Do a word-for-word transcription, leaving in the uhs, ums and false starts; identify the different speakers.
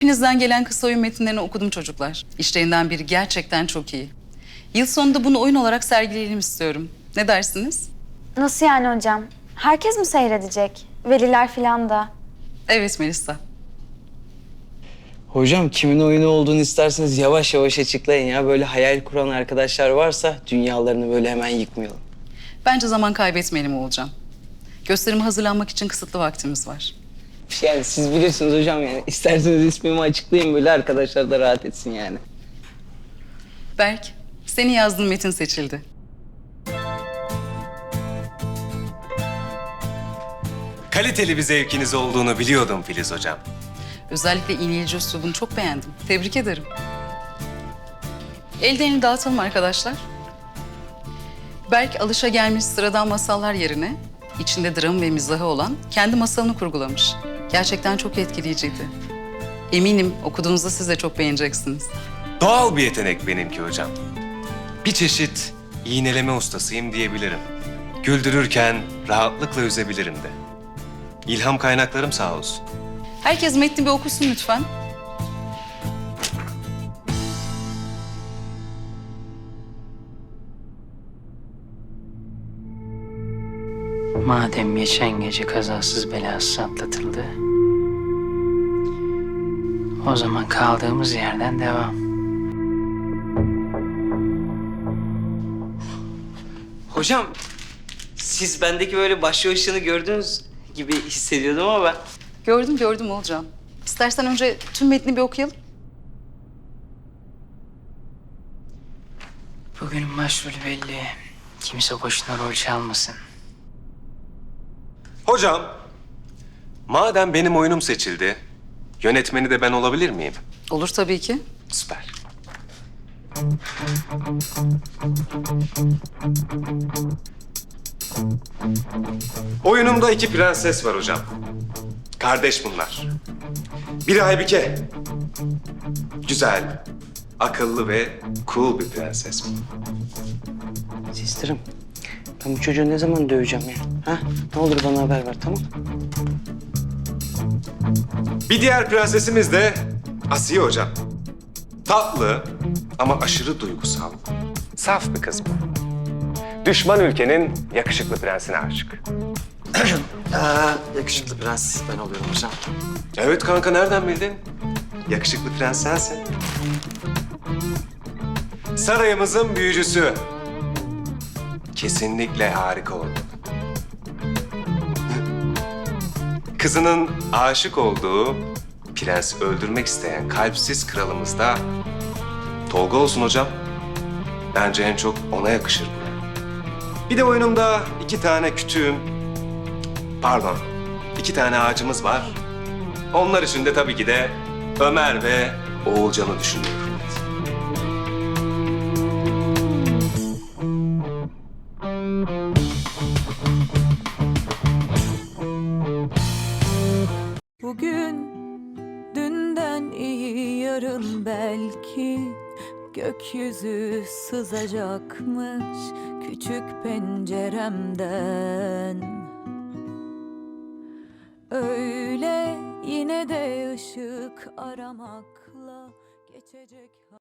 Speaker 1: Hepinizden gelen kısa oyun metinlerini okudum çocuklar. İşlerinden biri gerçekten çok iyi. Yıl sonunda bunu oyun olarak sergileyelim istiyorum. Ne dersiniz?
Speaker 2: Nasıl yani hocam? Herkes mi seyredecek? Veliler falan da.
Speaker 1: Evet Melisa.
Speaker 3: Hocam kimin oyunu olduğunu isterseniz yavaş yavaş açıklayın ya. Böyle hayal kuran arkadaşlar varsa dünyalarını böyle hemen yıkmayalım.
Speaker 1: Bence zaman kaybetmeyelim Oğulcan. Gösterime hazırlanmak için kısıtlı vaktimiz var.
Speaker 3: Yani siz bilirsiniz hocam yani. İsterseniz ismimi açıklayın böyle arkadaşlar da rahat etsin yani.
Speaker 1: Berk, senin yazdığın metin seçildi.
Speaker 4: Kaliteli bir zevkiniz olduğunu biliyordum Filiz Hocam.
Speaker 1: Özellikle iğneyici üslubunu çok beğendim. Tebrik ederim. Elden dağıtalım arkadaşlar. Berk alışagelmiş sıradan masallar yerine içinde dram ve mizahı olan kendi masalını kurgulamış. Gerçekten çok etkileyiciydi. Eminim okuduğunuzda siz de çok beğeneceksiniz.
Speaker 4: Doğal bir yetenek benimki hocam. Bir çeşit iğneleme ustasıyım diyebilirim. Güldürürken rahatlıkla üzebilirim de. İlham kaynaklarım sağ olsun.
Speaker 1: Herkes metni bir okusun lütfen.
Speaker 5: Madem geçen gece kazasız belasız atlatıldı, o zaman kaldığımız yerden devam.
Speaker 3: Hocam siz bendeki böyle başlı gördüğünüz gibi hissediyordum ama ben...
Speaker 1: Gördüm gördüm Oğulcan. İstersen önce tüm metni bir okuyalım.
Speaker 5: Bugünün başrolü belli. Kimse boşuna rol çalmasın.
Speaker 4: Hocam, madem benim oyunum seçildi, yönetmeni de ben olabilir miyim?
Speaker 1: Olur tabii ki.
Speaker 4: Süper. Oyunumda iki prenses var hocam. Kardeş bunlar. Biri Aybike. Güzel, akıllı ve cool bir prenses.
Speaker 3: Sistirim, ben bu çocuğu ne zaman döveceğim ya? Ha? Ne olur bana haber ver, tamam?
Speaker 4: Bir diğer prensesimiz de Asiye hocam. Tatlı ama aşırı duygusal. Saf bir kız bu. Düşman ülkenin yakışıklı prensine aşık.
Speaker 6: Ee, yakışıklı prens ben oluyorum hocam.
Speaker 4: Evet kanka nereden bildin? Yakışıklı prens sensin. Sarayımızın büyücüsü. Kesinlikle harika oldu. Kızının aşık olduğu, prensi öldürmek isteyen kalpsiz kralımız da Tolga olsun hocam. Bence en çok ona yakışır bu. Bir de oyunumda iki tane kütüğüm, pardon, iki tane ağacımız var. Onlar için de tabii ki de Ömer ve Oğulcan'ı düşünüyorum.
Speaker 7: Bugün dünden iyi yarın belki gökyüzü sızacakmış küçük penceremden. Öyle yine de ışık aramakla geçecek.